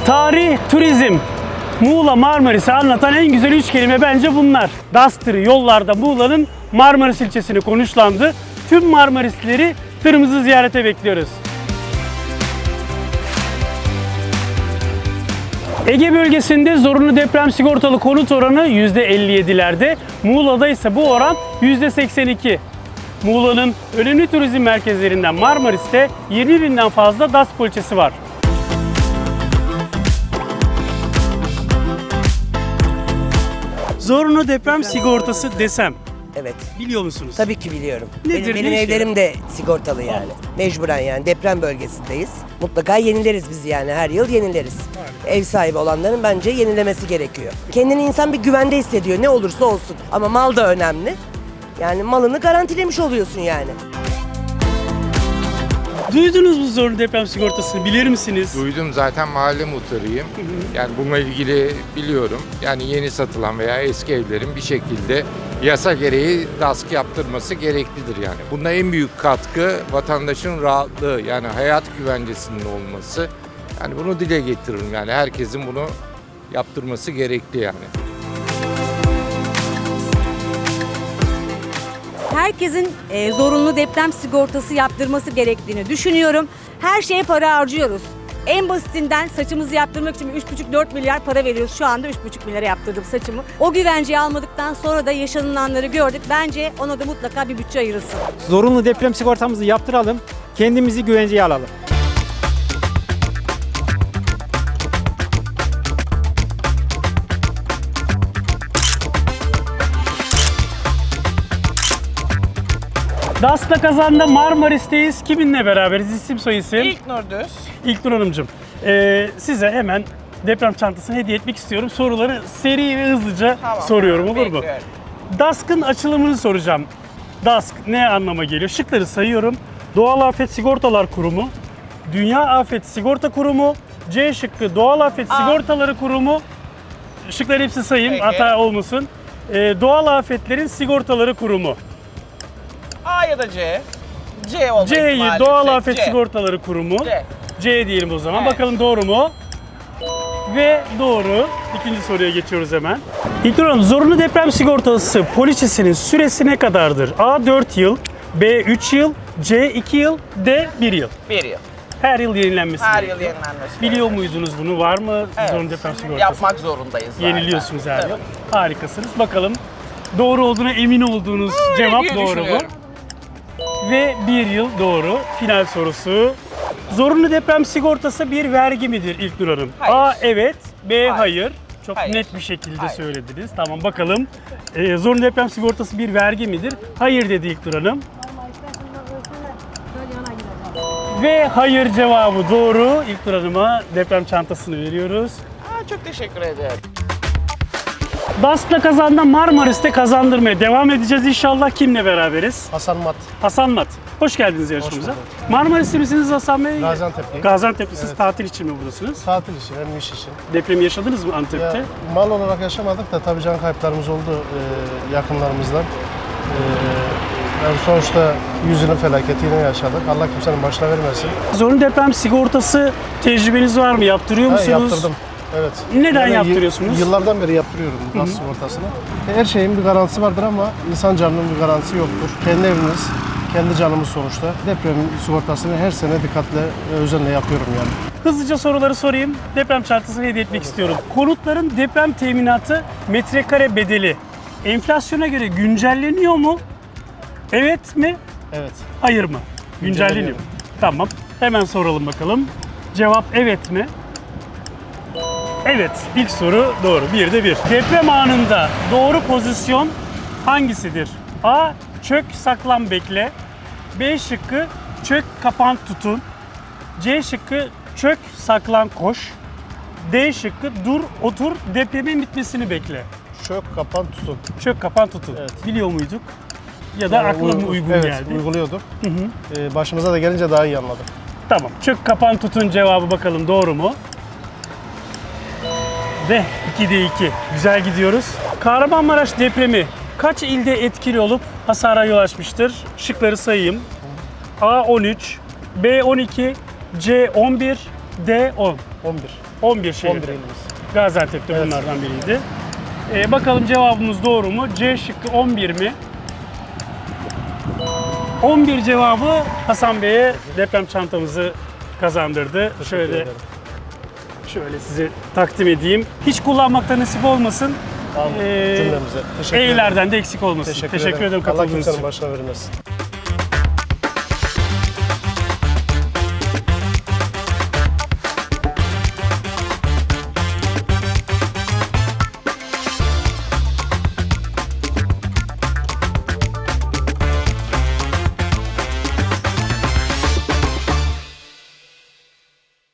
Tarih, turizm, Muğla Marmaris'i anlatan en güzel 3 kelime bence bunlar. DAS tırı yollarda Muğla'nın Marmaris ilçesini konuşlandı. Tüm Marmarislileri tırımızı ziyarete bekliyoruz. Ege bölgesinde zorunlu deprem sigortalı konut oranı %57'lerde, Muğla'da ise bu oran %82. Muğla'nın önemli turizm merkezlerinden Marmaris'te 20.000'den fazla DAS poliçesi var. Zorunlu deprem sigortası desem, Evet. biliyor musunuz? Tabii ki biliyorum. Nedir, Benim ne işe evlerim de sigortalı yani. Mecburen yani deprem bölgesindeyiz. Mutlaka yenileriz biz yani her yıl yenileriz. Ev sahibi olanların bence yenilemesi gerekiyor. Kendini insan bir güvende hissediyor ne olursa olsun. Ama mal da önemli. Yani malını garantilemiş oluyorsun yani. Duydunuz mu zorunlu deprem sigortasını, bilir misiniz? Duydum, zaten mahalle muhtarıyım. Yani bununla ilgili biliyorum. Yani yeni satılan veya eski evlerin bir şekilde yasa gereği DASK yaptırması gereklidir yani. Bunda en büyük katkı vatandaşın rahatlığı, yani hayat güvencesinin olması. Yani bunu dile getiririm, yani herkesin bunu yaptırması gerekli yani. Herkesin zorunlu deprem sigortası yaptırması gerektiğini düşünüyorum. Her şeye para harcıyoruz. En basitinden saçımızı yaptırmak için 3,5-4 milyar para veriyoruz. Şu anda 3,5 milyara yaptırdım saçımı. O güvenceyi almadıktan sonra da yaşanılanları gördük. Bence ona da mutlaka bir bütçe ayrılsın. Zorunlu deprem sigortamızı yaptıralım, kendimizi güvenceye alalım. DAS'la kazandı, Marmaris'teyiz. Kiminle beraberiz? İsim soyisim. İlknur Düz. İlknur Hanımcığım, size hemen deprem çantasını hediye etmek istiyorum. Soruları seri ve hızlıca soruyorum, olur mu? Bekliyorum. DASK'ın açılımını soracağım. DASK ne anlama geliyor? Şıkları sayıyorum. Doğal Afet Sigortalar Kurumu, Dünya Afet Sigorta Kurumu, C şıkkı Doğal Afet Sigortaları Kurumu. Şıkları hepsi sayayım, Peki. hata olmasın. Doğal Afetlerin Sigortaları Kurumu. A ya da C. C olma C'yi ihtimali Doğal yüksek. Afet C. Sigortaları Kurumu. C. C diyelim o zaman. Evet. Bakalım doğru mu? Ve doğru. İkinci soruya geçiyoruz hemen. İlknur Hanım, zorunlu deprem sigortası poliçesinin süresi ne kadardır? A 4 yıl, B 3 yıl, C 2 yıl, D 1 yıl. 1 yıl. Her yıl yenilenmesi Her gerekiyor. yıl yenilenmesi. Biliyor muydunuz bunu? Var mı Evet. zorunlu deprem sigortası? Yapmak zorundayız zaten. Yeniliyorsunuz her Tabii. yıl. Harikasınız. Bakalım doğru olduğuna emin olduğunuz cevap diye doğru mu? düşünüyorum. Ve 1 yıl doğru. Final sorusu. Zorunlu deprem sigortası bir vergi midir İlknur Hanım? Hayır. A evet, B hayır. Çok Hayır. net bir şekilde Hayır. söylediniz. Tamam, bakalım. Zorunlu deprem sigortası bir vergi midir? Hayır dedi İlknur Hanım. Ve hayır cevabı doğru. İlknur Hanım'a deprem çantasını veriyoruz. Çok teşekkür ederim. DASK'la kazandı, Marmaris'te kazandırmaya devam edeceğiz inşallah. Kimle beraberiz? Hasan Mat, Hasan Mat. Hoş geldiniz yarışmamıza. bulduk. Marmaris'te misiniz Hasan Bey? Gaziantep'liyim. Gaziantep'lisiniz. Tatil için mi buradasınız? Tatil için hem iş için. Depremi yaşadınız mı Antep'te? Ya, mal olarak yaşamadık da tabii can kayıplarımız oldu yakınlarımızdan. Yani sonuçta yüzünün felaketi yine yaşadık. Allah kimsenin başına vermesin. Zorunlu deprem sigortası tecrübeniz var mı? Yaptırıyor musunuz? Yaptırdım. Evet. Neden Yani yaptırıyorsunuz? Yıllardan beri yaptırıyorum DAS sigortasını. Her şeyin bir garantisi vardır ama insan canının bir garantisi yoktur. Kendi eviniz, kendi canımız sonuçta. Deprem sigortasını her sene dikkatle ve özenle yapıyorum yani. Hızlıca soruları sorayım. Deprem çantasını hediye etmek istiyorum. Konutların deprem teminatı metrekare bedeli enflasyona göre güncelleniyor mu? Evet mi? Evet. Hayır mı? Güncelleniyor. Güncelleniyor. Tamam. Hemen soralım bakalım. Cevap evet mi? Evet. İlk soru doğru. Bir de bir. Deprem anında doğru pozisyon hangisidir? A. Çök, saklan, bekle. B şıkkı çök, kapan, tutun. C şıkkı çök, saklan, koş. D şıkkı dur, otur, depremin bitmesini bekle. Çök, kapan, tutun. Çök, kapan, tutun. Evet. Biliyor muyduk? Ya da akla mı uygun evet, geldi? uyguluyorduk. Başımıza da gelince daha iyi anladık. Tamam. Çök, kapan, tutun cevabı bakalım doğru mu? Ve 2'de 2. Güzel gidiyoruz. Kahramanmaraş depremi kaç ilde etkili olup hasara yol açmıştır? Şıkları sayayım. A 13, B 12, C 11, D 10. 11. 11 şehirde. 11 ilimiz. Gaziantep de Evet. bunlardan biriydi. Bakalım cevabımız doğru mu? C şıkkı 11 mi? 11 cevabı Hasan Bey'e deprem çantamızı kazandırdı. Şöyle ederim. size takdim edeyim. Hiç kullanmakta nasip olmasın. Cümlemize. Teşekkür ederim. E'lerden de eksik olmasın. Teşekkür ederim Allah katıldığınız kimsenin için. başına vermesin.